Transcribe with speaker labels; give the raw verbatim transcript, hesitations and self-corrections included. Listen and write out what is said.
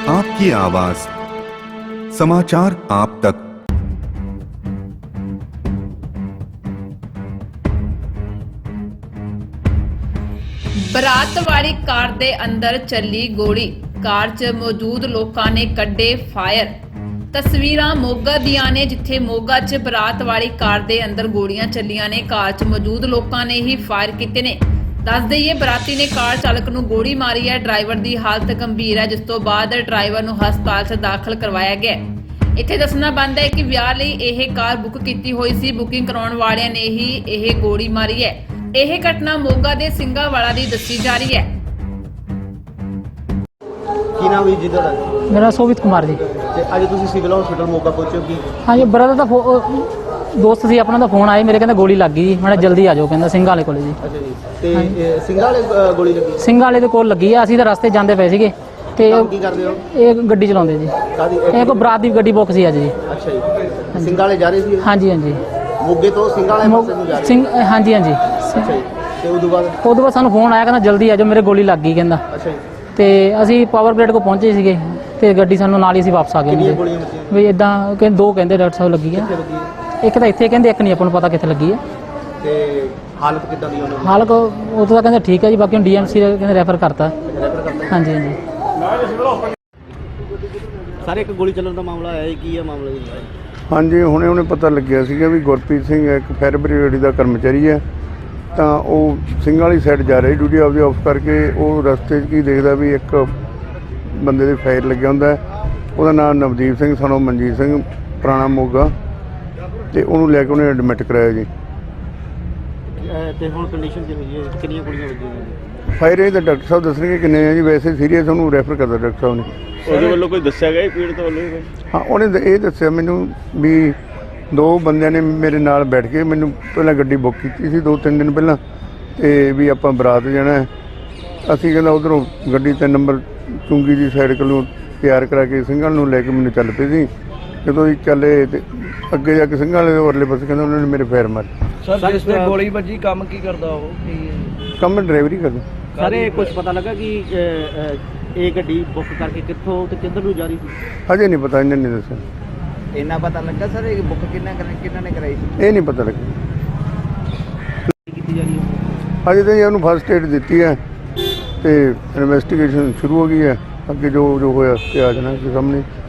Speaker 1: आपकी आवाज, समाचार आप तक।
Speaker 2: ਬਰਾਤ ਵਾਲੀ ਕਾਰ ਦੇ ਅੰਦਰ ਚੱਲੀ ਗੋਲੀ, ਕਾਰ 'ਚ ਮੌਜੂਦ ਲੋਕਾਂ ਨੇ ਕੱਢੇ ਫਾਇਰ। ਤਸਵੀਰਾਂ ਮੋਗਾ ਦੀਆਂ ਨੇ, ਜਿੱਥੇ ਮੋਗਾ 'ਚ ਬਰਾਤ ਵਾਲੀ ਕਾਰ ਦੇ ਅੰਦਰ ਗੋਲੀਆਂ ਚੱਲੀਆਂ ਨੇ। ਕਾਰ 'ਚ ਮੌਜੂਦ ਲੋਕਾਂ ਨੇ ਹੀ ਫਾਇਰ ਕੀਤੇ ਨੇ। ਦੱਸ ਦਈਏ, ਬਰਾਤੀ ਨੇ ਕਾਰ ਚਾਲਕ ਨੂੰ ਗੋਲੀ ਮਾਰੀ ਹੈ। ਡਰਾਈਵਰ ਦੀ ਹਾਲਤ ਗੰਭੀਰ ਹੈ, ਜਿਸ ਤੋਂ ਬਾਅਦ ਡਰਾਈਵਰ ਨੂੰ ਹਸਪਤਾਲ 'ਚ ਦਾਖਲ ਕਰਵਾਇਆ ਗਿਆ। ਇੱਥੇ ਦੱਸਣਾ ਬਣਦਾ ਹੈ ਕਿ ਵਿਆਹ ਲਈ ਇਹ ਕਾਰ ਬੁੱਕ ਕੀਤੀ ਹੋਈ ਸੀ। ਬੁਕਿੰਗ ਕਰਾਉਣ ਵਾਲਿਆਂ ਨੇ ਹੀ ਇਹ ਗੋਲੀ ਮਾਰੀ ਹੈ। ਇਹ ਘਟਨਾ ਮੋਗਾ ਦੇ ਸਿੰਘਾਵਾਲਾ ਦੀ ਦੱਸੀ ਜਾ ਰਹੀ ਹੈ।
Speaker 3: ਕੀ ਨਾਮ ਹੈ ਜੀ ਤੁਹਾਡਾ?
Speaker 4: मेरा सोवित कुमार जी।
Speaker 3: ਤੇ ਅੱਜ ਤੁਸੀਂ ਸਿਵਲ ਹਸਪੀਟਲ ਮੋਗਾ ਪਹੁੰਚੇ ਹੋ ਕੀ?
Speaker 4: हाँ जी, ब्रदर का फो- दोस्त सी अपना ਦਾ ਫੋਨ ਆਇਆ ਮੇਰੇ, ਕਹਿੰਦਾ ਗੋਲੀ ਲੱਗ ਗਈ ਜੀ, ਮੈਂ ਜਲਦੀ ਆ ਜਾਓ, ਕਹਿੰਦਾ ਸਿੰਘ ਵਾਲੇ ਕੋਲੇ ਜੀ।
Speaker 3: ਅੱਛਾ ਜੀ, ਤੇ ਇਹ ਸਿੰਘਾਂ ਵਾਲੇ ਅ, ਗੋਲੀ ਲੱਗੀ?
Speaker 4: ਸਿੰਘ ਵਾਲੇ ਦੇ ਕੋਲ ਲੱਗੀ ਆ। ਅਸੀਂ ਤਾਂ ਰਸਤੇ ਜਾਂਦੇ ਪਏ ਸੀਗੇ ਤੇ
Speaker 3: ਕੰਮ ਕੀ ਕਰਦੇ ਹੋ?
Speaker 4: ਇਹ ਗੱਡੀ ਚਲਾਉਂਦੇ ਜੀ।
Speaker 3: ਕਾਦੀ?
Speaker 4: ਇਹ ਕੋ ਬਰਾਤ ਦੀ ਗੱਡੀ ਬੁੱਕ ਸੀ ਅੱਜ ਜੀ।
Speaker 3: ਅੱਛਾ ਜੀ, ਸਿੰਘਾਂ ਵਾਲੇ ਜਾ ਰਹੇ ਸੀ?
Speaker 4: ਹਾਂਜੀ ਹਾਂਜੀ,
Speaker 3: ਮੋਗੇ ਤੋਂ ਸਿੰਘਾਂ ਵਾਲੇ ਪਾਸੇ ਨੂੰ ਜਾ ਰਹੇ?
Speaker 4: ਸਿੰਘ ਹਾਂਜੀ ਹਾਂਜੀ।
Speaker 3: ਅੱਛਾ ਜੀ, ਤੇ ਉਦੋਂ ਬਾਅਦ?
Speaker 4: ਉਦੋਂ ਬਾਅਦ ਸਾਨੂੰ ਫੋਨ ਆਇਆ, ਕਹਿੰਦਾ ਜਲਦੀ ਆ ਜਾਓ, ਮੇਰੇ ਗੋਲੀ ਲੱਗ ਗਈ ਕਹਿੰਦਾ।
Speaker 3: ਅੱਛਾ ਜੀ,
Speaker 4: ਤੇ ਅਸੀਂ ਪਾਵਰ ਗ੍ਰਿਡ ਕੋ ਪਹੁੰਚੇ ਸੀਗੇ ਤੇ ਗੱਡੀ ਸਾਨੂੰ ਨਾਲ ਹੀ ਅਸੀਂ ਵਾਪਸ ਆ ਗਏ
Speaker 3: ਕਿੰਨੀਆਂ
Speaker 4: ਜੀ।
Speaker 3: ਗੋਲੀਆਂ ਵੱਜੀਆਂ?
Speaker 4: ਵੀ ਇਦਾਂ ਕਹਿੰਦੇ ਦੋ ਕਹਿੰਦੇ ਡਾਕਟਰ ਸਾਹਿਬ ਲੱਗੀ ਆ।
Speaker 3: ਕਿੱਥੇ ਲੱਗੀ ਹੈ?
Speaker 4: ਇੱਕ ਤਾਂ ਇੱਥੇ ਕਹਿੰਦੇ, ਇੱਕ ਨਹੀਂ ਆਪਾਂ ਨੂੰ ਪਤਾ ਕਿੱਥੇ ਲੱਗੀ ਆ।
Speaker 3: ਤੇ ਹਾਲਤ ਕਿੱਦਾਂ ਦੀ ਉਹਨਾਂ ਦੀ?
Speaker 4: ਹਾਲ ਕੋ ਉਹ ਤਾਂ ਕਹਿੰਦੇ ਠੀਕ ਹੈ ਜੀ, ਬਾਕੀ ਹੁਣ ਡੀਐਮਸੀ ਕਹਿੰਦੇ ਰੈਫਰ ਕਰਤਾ।
Speaker 3: ਰੈਫਰ ਕਰਤਾ?
Speaker 4: ਹਾਂਜੀ ਹਾਂਜੀ।
Speaker 3: ਸਾਰੇ ਇੱਕ ਗੋਲੀ ਚੱਲਣ ਦਾ ਮਾਮਲਾ ਆਇਆ ਹੈ, ਕੀ ਹੈ ਮਾਮਲਾ ਜੀ?
Speaker 5: ਹਾਂਜੀ, ਹੁਣੇ ਹੁਣੇ ਪਤਾ ਲੱਗਿਆ ਸੀਗਾ ਵੀ ਗੁਰਪ੍ਰੀਤ ਸਿੰਘ ਇੱਕ ਫਾਇਰ ਬ੍ਰਿਗੇਡ ਦਾ ਕਰਮਚਾਰੀ ਹੈ, ਤਾਂ ਉਹ ਸਿੰਘ ਵਾਲੀ ਸਾਈਡ ਜਾ ਰਿਹਾ ਡਿਊਟੀ ਆਪਦੀ ਆਫ ਕਰਕੇ। ਉਹ ਰਸਤੇ 'ਚ ਕੀ ਦੇਖਦਾ ਵੀ ਇੱਕ ਬੰਦੇ ਦੇ ਫਾਇਰ ਲੱਗਿਆ ਹੁੰਦਾ ਹੈ। ਉਹਦਾ ਨਾਮ ਨਵਦੀਪ ਸਿੰਘ ਸਨੋ ਮਨਜੀਤ ਸਿੰਘ, ਪੁਰਾਣਾ ਮੋਗਾ, ਤੇ ਉਹਨੂੰ ਲੈ ਕੇ ਉਹਨੇ ਐਡਮਿਟ ਕਰਾਇਆ ਜੀ।
Speaker 3: ਤੇ ਹੁਣ ਕੰਡੀਸ਼ਨ ਕੀ ਹੋਈ ਹੈ? ਕਿੰਨੀਆਂ ਗੋਲੀਆਂ ਵੱਜੀਆਂ?
Speaker 5: ਫਾਇਰ ਇਹ ਤਾਂ ਡਾਕਟਰ ਸਾਹਿਬ ਦੱਸਣਗੇ ਕਿੰਨੇ ਆ ਜੀ। ਵੈਸੇ ਸੀਰੀਅਸ ਉਹਨੂੰ ਰੈਫਰ ਕਰਦਾ ਡਾਕਟਰ ਸਾਹਿਬ ਨੇ।
Speaker 6: ਉਹਦੇ ਵੱਲੋਂ ਕੋਈ ਦੱਸਿਆ ਗਿਆ ਪੀੜਤ ਵੱਲੋਂ ਕੋਈ?
Speaker 5: ਹਾਂ, ਉਹਨੇ ਤਾਂ ਇਹ ਦੱਸਿਆ ਮੈਨੂੰ ਵੀ ਦੋ ਬੰਦਿਆਂ ਨੇ ਮੇਰੇ ਨਾਲ ਬੈਠ ਕੇ ਮੈਨੂੰ ਪਹਿਲਾਂ ਗੱਡੀ ਬੁੱਕ ਕੀਤੀ ਸੀ ਦੋ ਤਿੰਨ ਦਿਨ ਪਹਿਲਾਂ, ਤੇ ਵੀ ਆਪਾਂ ਬਰਾਤ ਜਾਣਾ ਹੈ। ਅਸੀਂ ਕਹਿੰਦਾ ਉੱਧਰੋਂ ਗੱਡੀ ਤਿੰਨ ਨੰਬਰ ਚੁੰਗੀ ਦੀ ਸਾਈਡ ਕੋਲੋਂ ਤਿਆਰ ਕਰਾ ਕੇ ਸਿੰਘਾਂ ਨੂੰ ਲੈ ਕੇ ਮੈਨੂੰ ਚੱਲ ਪਏ ਸੀ। ਜਦੋਂ ਅਸੀਂ ਚੱਲੇ ਤੇ ਅੱਗੇ ਜਾ ਕੇ ਸਿੰਘਾਂ ਵਾਲੇ ਦੇ ਉਰਲੇ ਪਾਸੇ ਕਹਿੰਦਾ ਉਹਨਾਂ ਨੇ ਮੇਰੇ ਫੇਰ ਮਾਰੇ।
Speaker 6: ਸਰ, ਜਿਸ ਤੇ ਗੋਲੀ ਵੱਜੀ ਕੰਮ ਕੀ ਕਰਦਾ ਉਹ?
Speaker 5: ਕੰਮ ਡਰਾਈਵਰੀ ਕਰਦਾ।
Speaker 3: ਸਾਰੇ ਕੁਝ ਪਤਾ ਲੱਗਾ ਕਿ ਅ, ਅ, ਇਹ ਗੱਡੀ ਬੁੱਕ ਕਰਕੇ ਕਿੱਥੋਂ ਤੇ ਕਿੱਧਰ ਨੂੰ ਜਾ ਰਹੀ ਸੀ?
Speaker 5: ਹਜੇ ਨਹੀਂ ਪਤਾ, ਇਹਨਾਂ ਨੇ ਦੱਸਿਆ।
Speaker 3: ਇੰਨਾ ਪਤਾ ਲੱਗਾ ਸਰ ਇਹ ਬੁੱਕ ਕਿੰਨਾ ਕਿੰਨਾ ਨੇ ਕਰਾਈ ਸੀ?
Speaker 5: ਇਹ ਨਹੀਂ ਪਤਾ ਲੱਗਿਆ।
Speaker 3: ਕੀਤੀ ਜਾ ਰਹੀ ਹੈ?
Speaker 5: ਹਜੇ ਤਾਂ ਜੀ ਉਹਨੂੰ ਫਸਟ ਏਡ ਦਿੱਤੀ ਹੈ ਤੇ ਇਨਵੈਸਟੀਗੇਸ਼ਨ ਸ਼ੁਰੂ ਹੋ ਗਈ ਹੈ। ਅੱਗੇ ਜੋ ਜੋ ਹੋਇਆ ਤੇ ਆ ਜਾਣਾ ਸਾਹਮਣੇ।